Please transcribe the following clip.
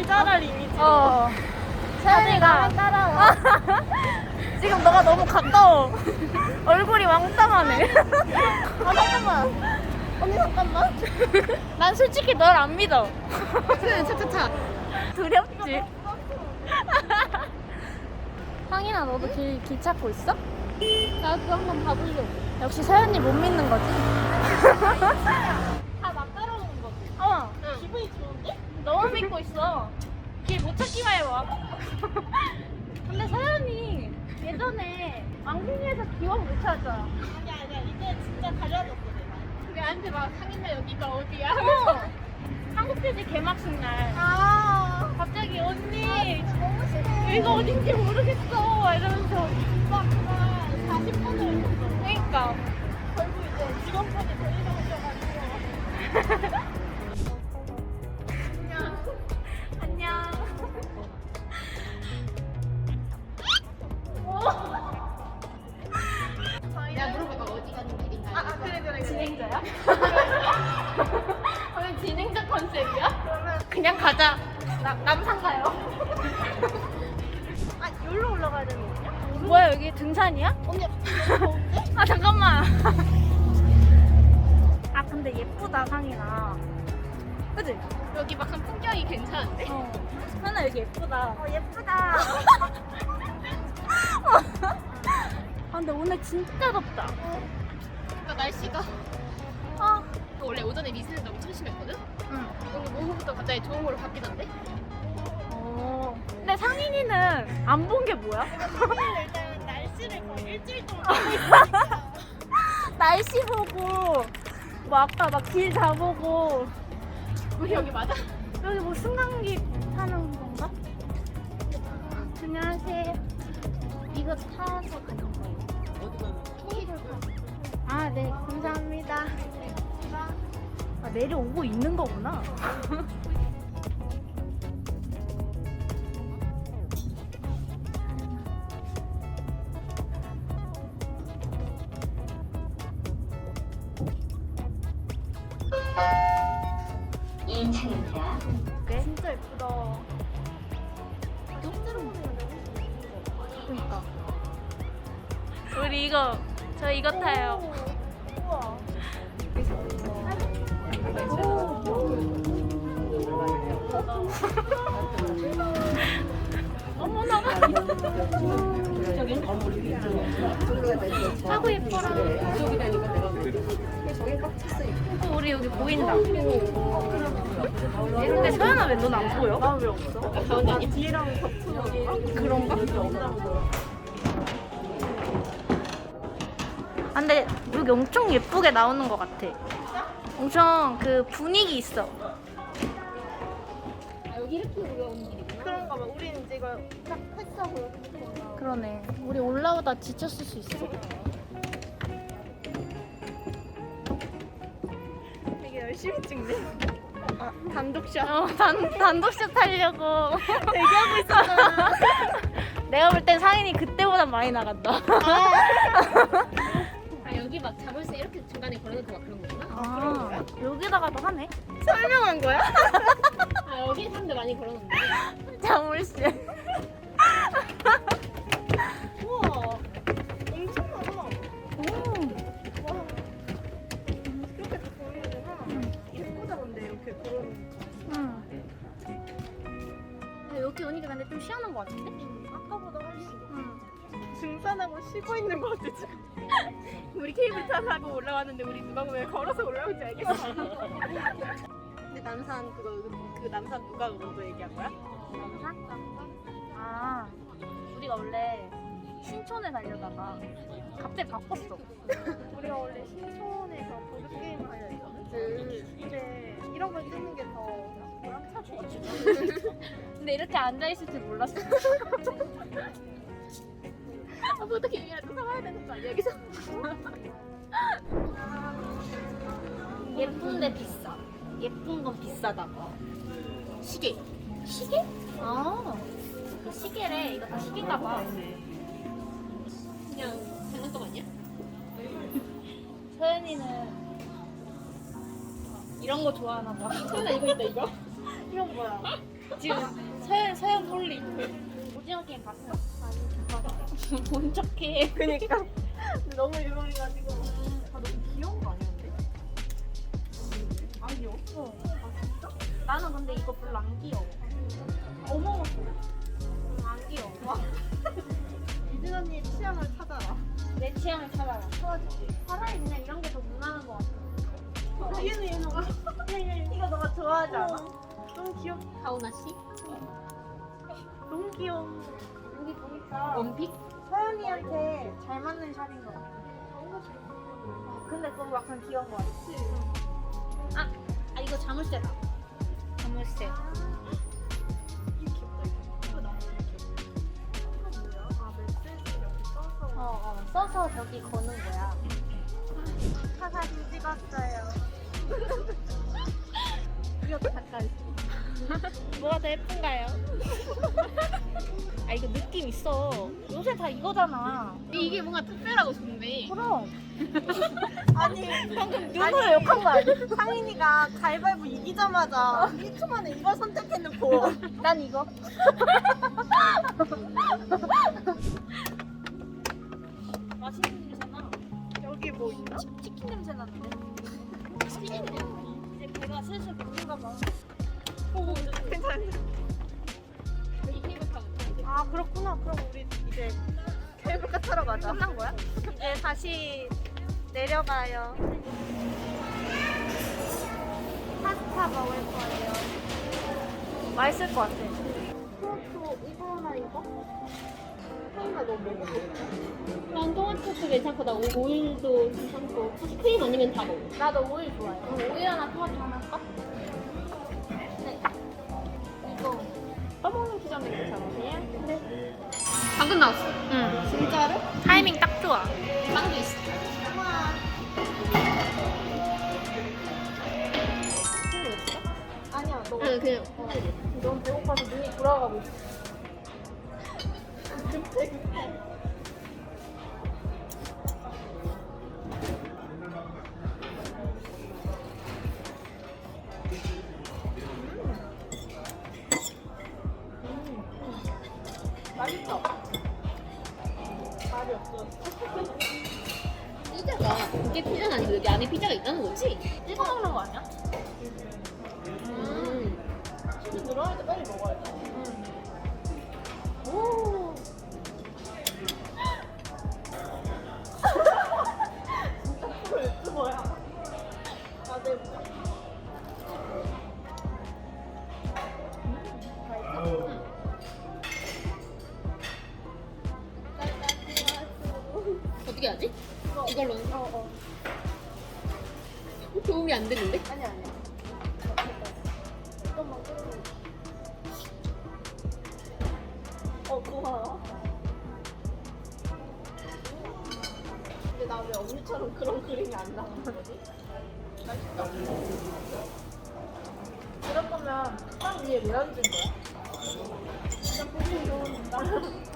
자랄 이미지. 서연이가 따라와. 지금 너가 너무 가까워. 얼굴이 왕따하네. 아 잠깐만. 언니 잠깐만. 난 솔직히 널 안 믿어. 그래 차차차. 두렵지? 상인아, 너도 길 찾고 있어? 나 그거 한번 봐보려고. 역시 서연이 못 믿는 거지? 다 나 따라오는 거지. 응. 기분이 좋은데? 너무 믿고 있어. 길 못 찾기만 해봐. 근데 서연이 예전에 왕궁리에서 기원 못 찾았잖아. 아니야 이제 진짜 달라졌어 내가. 내한테 막 상인나 여기가 어디야? 한국돼지 개막식 날 아 갑자기 언니 너무 싫어. 여기가 어딘지 모르겠어 이러면서 진짜 그날 40분을 했었어. 그러니까 결국 이제 직원분이 데리러 오셔가지고. 안녕. 내가 물어볼까 어디 가는 길인가요? 아 그래. 진행자야? 오늘 진행자 컨셉이야? 그냥 가자. 남산 가요. 아 여기로 올라가야 되는 거냐? 뭐야, 여기 등산이야? 언니 더운데? 아, 잠깐만. 아, 근데 예쁘다, 상이나. 그치? 여기 막한 풍경이 괜찮은데? 하나 여기 예쁘다. 예쁘다. 아, 근데 오늘 진짜 덥다. 그러니까 날씨가 아, 원래 오전에 미세는 엄청 심했거든? 응. 오늘 오후부터 갑자기 좋은 걸로 바뀌던데? 근데 상인이는 안 본 게 뭐야? 일단 날씨를 거의 일주일 동안 보고 있으니까. 날씨 보고, 뭐 아까 막 길 다 보고, 우리 여기 맞아? 여기 뭐 승강기 타는 건가? 안녕하세요. 이거 타서 가는 거예요. 어디 가는 아, 네, 감사합니다. 아, 내려오고 있는 거구나. 이 차입니다. 진짜 예쁘다. 실제로 보면 그러니까. 우리 저 이거 타요. 우와. 어머나. 하고 예뻐라. 우리 여기 보인다. 근데 서연아, 왜 넌 안 보여? 나 왜 없어? 가운데 아니 뒤랑 겹쳐서 그런가? 아, 근데 여기 엄청 예쁘게 나오는 것 같아. 엄청 그 분위기 있어. 여기 이렇게 올라오는 길이구나. 그런가 봐. 우리는 이제 이걸 딱 패스하고 이렇게 보나. 그러네. 우리 올라오다 지쳤을 수 있어. 되게 열심히 찍네. 아 단독샷. 단독샷 하려고. 대기하고 있었잖아. 내가 볼 땐 상인이 그때보다 많이 나간다. 아 여기 막 자물쇠 이렇게 중간에 걸어놓고 막 그런 거구나. 아, 여기다가도 하네. 설명한 거야? 아 여기 사람들 많이 걸어놓는데. 자물쇠. 우와. 엄청 많아. 오. 와. 이렇게 다 보이는구나. 예쁘다 근데 이렇게 걸어놓는 거. 응. 여기 오니까 근데 좀 시원한 것 같은데? 아까보다 훨씬. 응. 등산하고 쉬고 있는 것 같아 지금. 우리 케이블카 타고 올라왔는데 우리 누가 보면 걸어서 올라온지 알겠어. 근데 남산 그 남산 누가 먼저 얘기한 거야? 남산? 아, 우리가 원래 신촌에 가려다가 갑자기 바꿨어. 우리가 원래 신촌에서 보드 게임을 하려 했거든. 근데 이런 걸 찍는 게 더 보람차고. 근데 이렇게 앉아있을 줄 몰랐어. 아, 뭐 어떻게 얘기해도 사와야 되는 거 아니야 여기서? 예쁜데 비싸. 예쁜 건 비싸다. 시계. 시계? 아, 그 시계래. 이거 다 시계인가 봐. 그냥 장난감 아니야? 서연이는 이런 거 좋아하나 봐. 소연아 이거 있다 이거? 이거 뭐야? 지금 서연 홀리. 오징어 게임 봤어? 아니, 본 척해. 그니까. 근데 너무 유명해가지고. 아, 너무 귀여운 거 아니었는데? 안 귀여워? 아, 진짜? 나는 근데 이거 별로 안 귀여워. 어머. 안 귀여워. 이진 언니의 취향을 찾아라. 내 취향을 찾아라. 차라리 그냥 이런 게 더 무난한 것 같아. 얘는. 이거 너가 좋아하지 않아? 너무 귀엽다. 가오나 씨? 너무 귀여워. 여기 보니까 원픽? 서연이한테 잘 맞는 샵인 것 같아. 근데 그거 약간 귀여운 것 같아. 아 이거 자물쇠다. 자물쇠. 이거 귀엽다. 이거 너무 귀엽다. 이거 뭐야? 아, 메시지 이렇게 써서. 써서 저기 거는 거야. 차 사진 찍었어요. 이것도 잠깐. 뭐가 더 예쁜가요? 아 이거 느낌 있어. 요새 다 이거잖아. 이게 뭔가 특별하고 좋네. 그럼. 아니, 방금 눈으로 욕한 거 아니야? 상인이가 가위바위보 이기자마자 1초 만에 이걸 선택해놓고. 난 이거. 맛있는 냄새나. 여기 뭐 있나? 치킨 냄새 나는데. 치킨 냄새. 이제 걔가 슬슬 먹는가 봐. 오, 괜찮아. 이 케이블카 아, 그렇구나. 그럼 우리 이제 케이블카 타러 가자. 끝난 거야? 이제 다시 내려가요. 파스타 먹을 거예요. 맛있을 것 같아. 토마토 이거 하나 이거? 하나 너 먹어볼까? 난 토마토도 괜찮고 나 오일도 괜찮고 혹시 크림 아니면 다 먹어. 나도 오일 좋아해. 그럼 오일 하나, 토마토 하나 할까? 네. 이거. 떠먹는 피자는 괜찮으세요? 네. 방금 나왔어. 응. 진짜로? 타이밍 딱 좋아. 빵도 있어. 아니야, 너. 응 그냥. 너무 배고파서 눈이 돌아가고 있어. 맛있어. 말이 없어. 피자가 이게 피자는 아니고 여기 안에 피자가 있다는 거지? 찍어 먹는 거 아니야? 치즈 들어갈 때 빨리 먹어야 돼. 오. 진짜 프로 유튜버야. 다들 어떻게 하지? 이걸로. 도움이 안 되는데? 아니야. 잠깐만. 고마워. 근데 나 왜 언니처럼 그런 그림이 안 나오는 거지? 맛있다. 그럴 거면 빵 위에 왜 얹은 거야? 그냥 보기 좋은 나.